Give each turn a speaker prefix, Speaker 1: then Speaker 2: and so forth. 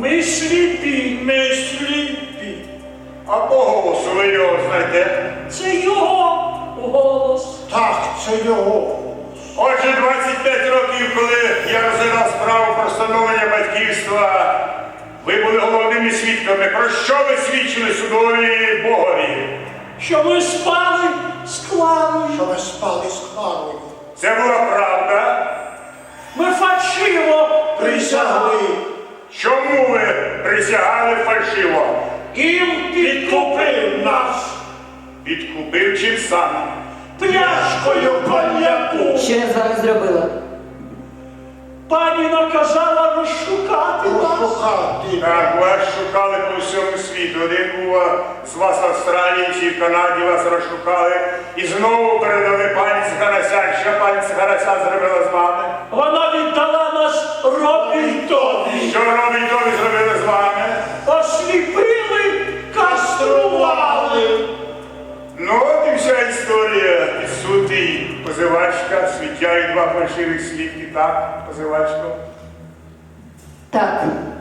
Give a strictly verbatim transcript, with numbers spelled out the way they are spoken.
Speaker 1: Ми сліпі.
Speaker 2: Ми сліпі. А по голосу ви його знаєте?
Speaker 1: Це його голос.
Speaker 3: Так, це його.
Speaker 2: Отже, двадцять п'ять років, коли я розглядав справу про встановлення батьківства, ви були головними свідками. Про що ви свідчили судові Богові?
Speaker 1: Що ми спали з Кларою.
Speaker 3: Що ви спали з Кларою.
Speaker 2: Це була правда?
Speaker 1: Ми фальшиво
Speaker 3: Присягли.
Speaker 2: Чому ви присягали фальшиво?
Speaker 1: Їм підкупив нас
Speaker 2: Підкупив чим саме?
Speaker 1: пляшкою коньяку.
Speaker 4: Що я з вами зробила?
Speaker 1: Пані наказала розшукати нас.
Speaker 3: Розшукати.
Speaker 2: Так, вас шукали по всьому світу. Один був з вас в Австралії чи в Канаді, вас розшукали. І знову передали пані Сгарасян. Що пані Сгарасян зробила з вами?
Speaker 1: Вона віддала нас Робінтові.
Speaker 2: Що Робінтові зробили з вами?
Speaker 1: Осліпили, кастрували.
Speaker 2: Ну от і вся історія. І суд, і позивачка, свідчають два фальшивих свідки, так, позивачко?
Speaker 4: Так.